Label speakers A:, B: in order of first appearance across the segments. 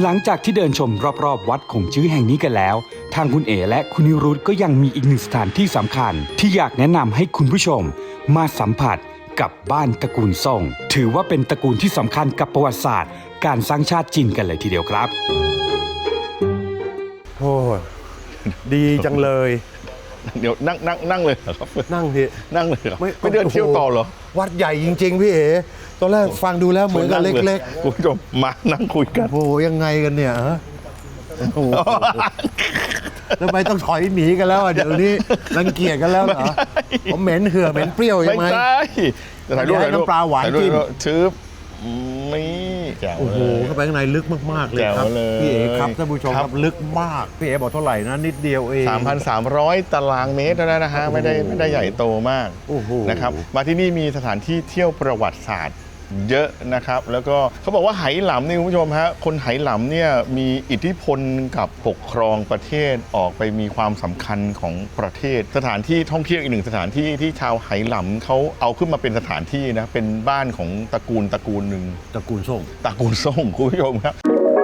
A: หลังจากที่เดินชมรอบๆวัดคงจื้อแห่งนี้กันแล้วทางคุณเอ๋และคุณนิรุตก็ยังมีอีกหนึ่งสถานที่สำคัญที่อยากแนะนำให้คุณผู้ชมมาสัมผัสกับบ้านตระกูลซ่งถือว่าเป็นตระกูลที่สำคัญกับประวัติศาสตร์การสร้างชาติจีนกันเลยทีเดียวครับ
B: โอ้ดีจังเลย
C: เดี๋ยวนั่งเลยเหรอครับ
B: นั่งที
C: นั่งเลยเหรอไม่เดินเที่ยวต่อเหรอ
B: วัดใหญ่จริงๆพี่เอ๋ตอนแรกฟังดูแล้วเหมือนกับเล็ก
C: ๆคุณผู้ชมมานั่งคุยกัน
B: โอ้ยังไงกันเนี่ยฮะโอ้แล้วไปต้องถอยหนีกันแล้วเดี๋ยวนี้รังเกียจกันแล้วเหรอผมเหม็นเหือเหม็นเปรี้ยวยังไง
C: ไม่ใช่ถ่ายรูป
B: น้ำปลาหวานจิ้ม
C: ชื้อนี่แจ๋วเลย
B: โอ้โหเข้าไปข้างในลึกมากๆเลยครับพี่เอ๋ครับท่านผู้ชมครับลึกมากพี่เอ๋บอกเท่าไหร่นะนิดเดียวเอง
C: 3,300 ตารางเมตรนะฮะไม่ได้ใหญ่โตมากนะครับมาที่นี่มีสถานที่เที่ยวประวัติศาสตร์เยอะนะครับแล้วก็เขาบอกว่าไหหลำนี่คุณผู้ชมฮะคนไหหลำเนี่ยมีอิทธิพลกับปกครองประเทศออกไปมีความสำคัญของประเทศสถานที่ท่องเที่ยวอีกหนึ่งสถานที่ที่ชาวไหหลำเขาเอาขึ้นมาเป็นสถานที่นะเป็นบ้านของตระกูลหนึ่ง
B: ตระกูลซ่ง
C: คุณผู้ชมครับ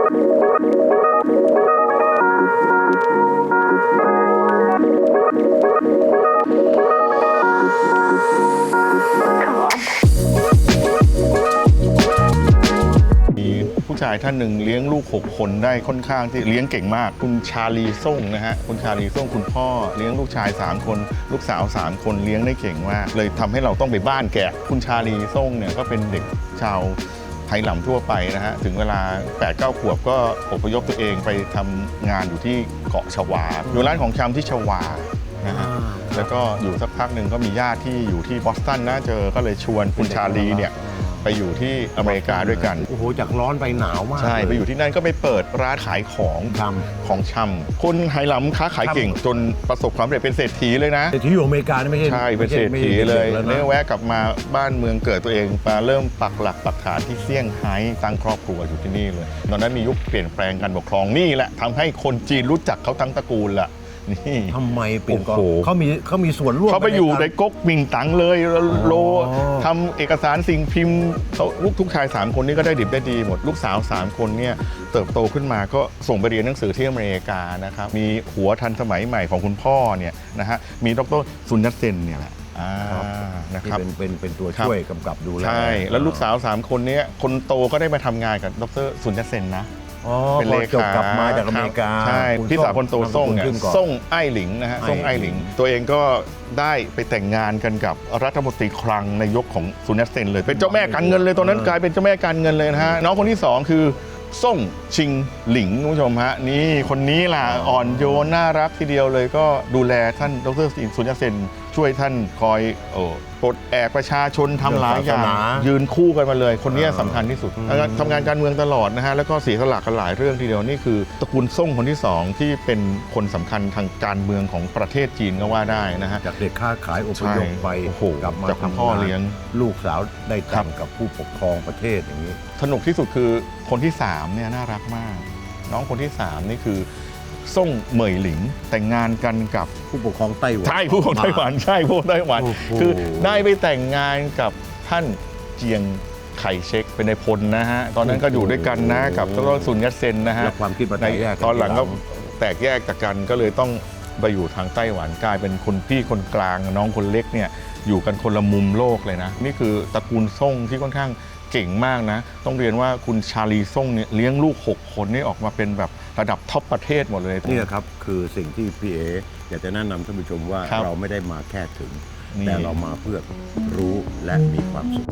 C: ผู้ชายท่านหนึ่งเลี้ยงลูก6 คนได้ค่อนข้างที่เลี้ยงเก่งมากคุณชาลีซ่งนะฮะคุณชาลีซ่งคุณพ่อเลี้ยงลูกชาย3 คนลูกสาว3 คนเลี้ยงได้เก่งมากเลยทำให้เราต้องไปบ้านแกะคุณชาลีซ่งเนี่ยก็เป็นเด็กชาวไหหลำทั่วไปนะฮะถึงเวลา 8-9 ขวบก็อพยพตัวเองไปทำงานอยู่ที่เกาะชวาอยู่ร้านของชำที่ชวานะฮะแล้วก็อยู่สักพักหนึ่งก็มีญาติที่อยู่ที่บอสตันนะเจอก็เลยชวนคุณชาลีเนี่ยไปอยู่ที่อเมริกาด้วยกัน
B: โอ้โหจากร้อนไปหนาวมาก
C: ใช่ไปอยู่ที่นั่นก็ไปเปิดร้านขายของชำคนไหหลำค้าขายเก่งจนประสบความสำเร็จเป็นเศรษฐีเลยนะ
B: เศรษฐีอยู่อเมริกาไม่ใช่
C: ใช่เป็นเศรษฐีเลยเนี่ยแวะกลับมาบ้านเมืองเกิดตัวเองมาเริ่มปักหลักปักฐานที่เซี่ยงไฮ้ตั้งครอบครัวอยู่ที่นี่เลยตอนนั้นมียุคเปลี่ยนแปลงการปกครองนี่แหละทำให้คนจีนรู้จักเขาทั้งตระกูลละนี่
B: ทำไมเปลี่ยนก่อนเขามีส่วนร่วม
C: เขาไปอยู่ในก๊กมิงตังเลยโลทำเอกสารสิ่งพิมพ์ลูกทุกชาย3 คนนี้ก็ได้ดิบได้ดีหมดลูกสาว3 คนเนี่ยเติบโตขึ้นมาก็ส่งไปเรียนหนังสือที่อเมริกานะครับมีหัวทันสมัยใหม่ของคุณพ่อเนี่ยนะฮะมีดร.ซุนยัตเซนเนี่ยแหละ
B: นะครับเป็นตัวช่วยกำกับดูแล
C: ใช่แล้วลูกสาว3 คนนี้คนโตก็ได้มาทำงานกับดร.ซุนยัตเซนนะ
B: เป็นเลขากลับมาจากอเมริกา
C: ใช่พี่สาวคนโตซ่งเนี่ยซ่งไอ้หลิงนะฮะซ่งไอ้หลิงตัวเองก็ได้ไปแต่งงานกันกับรัฐมนตรีคลังในยุคของซุนยัตเซนเลยเป็นเจ้าแม่การเงินเลยตอนนั้นกลายเป็นเจ้าแม่การเงินเลยนะฮะน้องคนที่2คือซ่งชิงหลิงคุณผู้ชมฮะนี่คนนี้ล่ะอ่อนโยนน่ารักทีเดียวเลยก็ดูแลท่านดร.ซุนยัตเซนช่วยท่านคอยปลดแอกประชาชนทำหลายอย่างยืนคู่กันมาเลยคนนี้สำคัญที่สุดทำงานการเมืองตลอดนะฮะแล้วก็เสียสละกันหลายเรื่องทีเดียวนี่คือตระกูลซ่งคนที่2ที่เป็นคนสำคัญทางการเมืองของประเทศจีนก็ว่าได้นะฮะ
B: จากเด็กค้าขายอพยพไปกลับมา
C: ทำพ่อเลี้ยง
B: ลูกสาวได้แต่งกับผู้ปกครองประเทศอย่างนี้
C: สนุกที่สุดคือคนที่3เนี่ยน่ารักมากน้องคนที่3นี่คือซ่งเหมยหลิงแต่งงานกันกับ
B: ผู้ปกครองไต้หวัน
C: ใช่ผู้ปกครองไต้หวันใช่ผู้ปกครองไต้หวันคือได้ไปแต่งงานกับท่านเจียงไคเชกเป็นนายพลนะฮะตอนนั้นก็อยู่ด้วยกันนะกับดร.ซุนยัตเซนนะฮะ
B: ความคิดใน
C: ตอนหลังก็แตกแยกจากกันก็เลยต้องไปอยู่ทางไต้หวันกลายเป็นคนพี่คนกลางน้องคนเล็กเนี่ยอยู่กันคนละมุมโลกเลยนะนี่คือตระกูลซ่งที่ค่อนข้างเก่งมากนะต้องเรียนว่าคุณชาลีซ่งเนี่ยเลี้ยงลูก6 คนนี่ออกมาเป็นแบบระดับท็อปประเทศหมดเลย
B: นี่ครับคือสิ่งที่พี่เออยากจะแนะนำท่านผู้ชมว่าเราไม่ได้มาแค่ถึงแต่เรามาเพื่อรู้และมีความสุข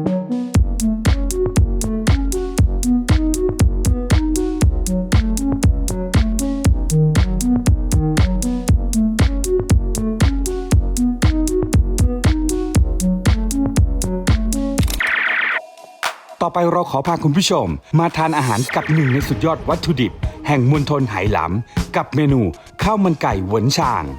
A: ต่อไปเราขอพาคุณผู้ชมมาทานอาหารกับหนึ่งในสุดยอดวัตถุดิบแห่งมณฑลไหหลำกับเมนูข้าวมันไก่เหวินชาง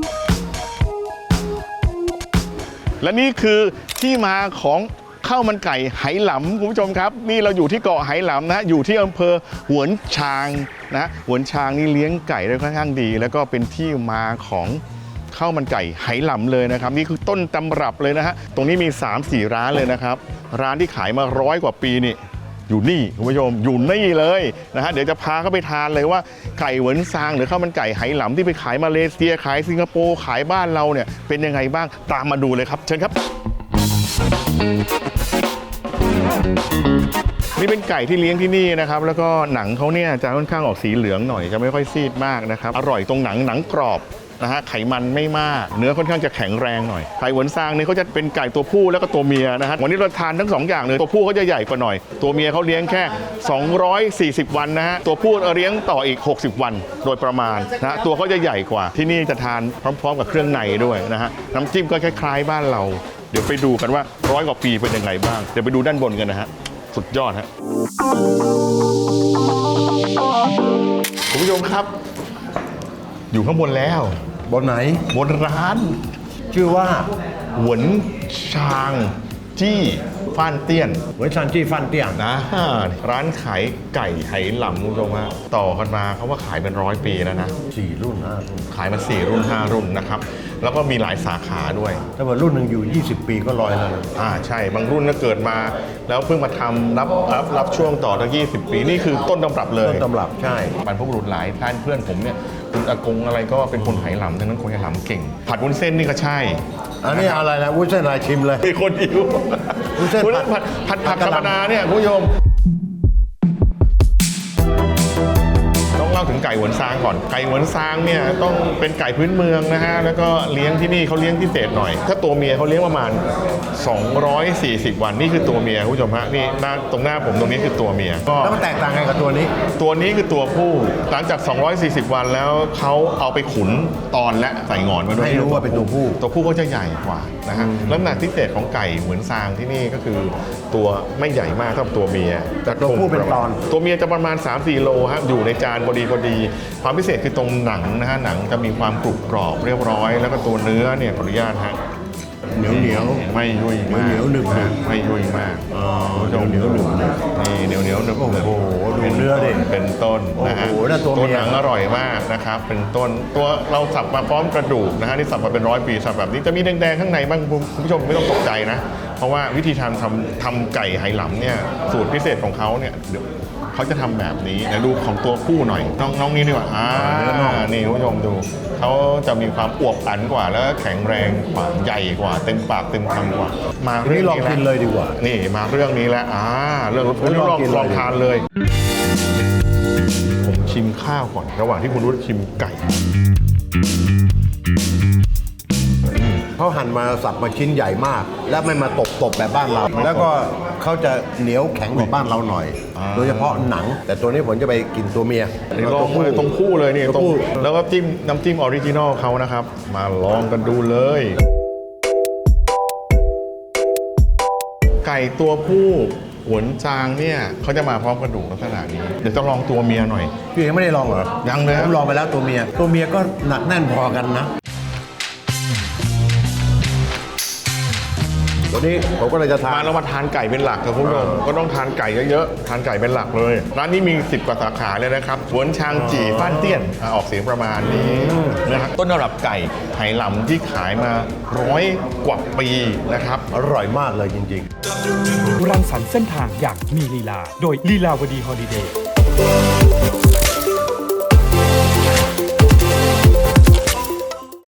C: และนี่คือที่มาของข้าวมันไก่ไหหลำคุณผู้ชมครับนี่เราอยู่ที่เกาะไหหลำนะอยู่ที่อำเภอหวนชางนะหวนชางนี่เลี้ยงไก่ได้ค่อนข้างดีแล้วก็เป็นที่มาของข้าวมันไก่ไหหลำเลยนะครับนี่คือต้นตำรับเลยนะฮะตรงนี้มี 3-4 ร้านเลยนะครับร้านที่ขายมา100 กว่าปีนี่อยู่นี่คุณผู้ชมอยู่นี่เลยนะฮะเดี๋ยวจะพาเข้าไปทานเลยว่าไก่เหวินซางหรือข้าวมันไก่ไหหลำที่ไปขายมาเลเซียขายสิงคโปร์ขายบ้านเราเนี่ยเป็นยังไงบ้างตามมาดูเลยครับเชิญครับนี่เป็นไก่ที่เลี้ยงที่นี่นะครับแล้วก็หนังเขาเนี่ยจะค่อนข้างออกสีเหลืองหน่อยจะไม่ค่อยซีดมากนะครับอร่อยตรงหนังกรอบนะฮะไขมันไม่มากเนื้อค่อนข้างจะแข็งแรงหน่อยไก่เหวินซางนี่เขาจะเป็นไก่ตัวผู้แล้วก็ตัวเมียนะฮะวันนี้เราทานทั้ง2อย่างเลยตัวผู้เขาจะใหญ่กว่าหน่อยตัวเมียเขาเลี้ยงแค่240วันนะฮะตัวผู้เลี้ยงต่ออีก60วันโดยประมาณนะตัวเขาจะใหญ่กว่าที่นี่จะทานพร้อมๆกับเครื่องในด้วยนะฮะน้ำจิ้มก็คล้ายๆบ้านเราเดี๋ยวไปดูกันว่า100 กว่าปีเป็นยังไงบ้างเดี๋ยวไปดูด้านบนกันนะฮะสุดยอดฮะคุณผู้ชมครับอยู่ข้างบนแล้ว
B: บนไหน
C: บนร้าน
B: ชื่อว่า
C: หวนชางจี้ฟ้านเตี้ยน
B: เหวินซางจี้ฟ้านเตี้ยน
C: นะร้านขายไก่ไหหลำคุณผู้ชมฮะต่อกันมาเขาว่าขายเป็น100 ปีแล้วนะ
B: 4 รุ่น 5 รุ่น
C: ขายมา4 รุ่น 5 รุ่นนะครับแล้วก็มีหลายสาขาด้วย
B: ถ้าว่ารุ่นหนึ่งอยู่20 ปีก็100แล้ว
C: ใช่บางรุ่นก็เกิดมาแล้วเพิ่งมาทำรับช่วงต่อตั้ง20 ปีนี่คือต้นตำรับเลย
B: ต้นตำรับใช่
C: บรรพบุรุษหลายท่านเพื่อนผมเนี่ยคุณอากงอะไรก็เป็นคนไหหลำดังนั้นคนไหหลำเก่งผัดวุ้นเส้นนี่ก็ใช่
B: อันนี้อะไรนะวุ้นเส้นอะไรชิมเลย
C: มีคนหิววุ้นเส้นผัดผักธรรมดาเนี่ยคุณผู้ชมต้องเล่าถึงไก่เหวินซางก่อนไก่เหวินซางเนี่ยต้องเป็นไก่พื้นเมืองนะฮะแล้วก็เลี้ยงที่นี่เขาเลี้ยงพิเศษหน่อยถ้าตัวเมียเขาเลี้ยงประมาณ240 วันนี่คือตัวเมียคุณผู้ชมฮะนี่ตรงหน้าผมตรงนี้คือตัวเมีย
B: แล้วมันแตกต่างกันกับตัวนี้
C: คือตัวผู้หลังจาก240 วันแล้วเขาเอาไปขุนตอนและใส่งอนมาด้วย
B: ให้รู้ว่าเป็นตัว
C: ผู้เขาจะใหญ่กว่านะฮะแล้วขนาดพิเศษของไก่เหวินซางที่นี่ก็คือตัวไม่ใหญ่มากเท่าตัวเมีย
B: แต่ตัวผู้เป็นตอน
C: ตัวเมียจะประมาณ 3-4 โลฮะอยู่ในจานพอดีความพิเศษคือตรงหนังนะฮะหนังจะมีความกรุบกรอบเรียบร้อยแล้วก็ตัวเนื้อเนี่ยขออนุญาตฮะ
B: เหนียว
C: ไม่ยุ่ยมาก
B: เหนียวหนึบ
C: ไม่ยุ่ยมาก
B: เหนียวหนึบ
C: นี่เหนียวหนึบ
B: โอ้โหดูเนื้อดิ
C: เป็นต้นนะฮะตัวหนังอร่อยมากนะครับเป็นต้นตัวเราสับมาพร้อมกระดูกนะฮะนี่สับมาเป็น100 ปีสับแบบนี้จะมีแดงๆข้างในบ้างคุณผู้ชมไม่ต้องตกใจนะเพราะว่าวิธีทำไก่ไหหลำเนี่ยสูตรพิเศษของเขาเนี่ยเขาจะทำแบบนี้นะดูของตัวผู้หน่อยน้องนี้ดีกว่านี่คุณผู้ชมดูเขาจะมีความอวบอันกว่าแล้วแข็งแรงกว่าใหญ่กว่าเต็มปากเต็มคำกว่า
B: มาเรื่องนี้ลองกินเลยดีกว่า
C: นี่มาเรื่องนี้แล้วเรื่องลองทานเลยผมชิมข้าวก่อนระหว่างที่คุณรุ่ชิมไก่
B: เขาหั่นมาสับมาชิ้นใหญ่มากแล้วไม่มาตบแบบบ้านเราแล้วก็เขาจะเหนียวแข็งกว่าบ้านเราหน่อยโดยเฉพาะหนังแต่ตัวนี้ผมจะไปกินตัวเมีย
C: ลองเลยตรงคู่เลยนี่ตรงแล้วก็น้ำจิ้มออริจินอลเขานะครับมาลองกันดูเลยไก่ตัวผู้หวนจางเนี่ยเขาจะมาพร้อมกระดูกลักษณะนี้เดี๋ยวจะลองตัวเมียหน่อย
B: พี่ยังไม่ได้ลองเหรอ
C: ยังเลย
B: ผมลองไปแล้วตัวเมียก็หนักแน่นพอกันนะวันนี้ผมก็เลยจะทาน
C: เรามาทานไก่เป็นหลักครับคุณผู้ชมก็ต้องทานไก่เยอะๆทานไก่เป็นหลักเลยร้านนี้มี10 กว่าสาขาเลยนะครับหวนชางจี่ฟ้านเตี้ยนออกเสียงประมาณนี้นะครับต้นตำรับไก่ไหหลำที่ขายมา100 กว่าปีนะครับ
B: อร่อยมากเลยจริง
A: ๆรังสรรค์เส้นทางอย่างมีลีลาโดยลีลาวดีฮอลิเดย์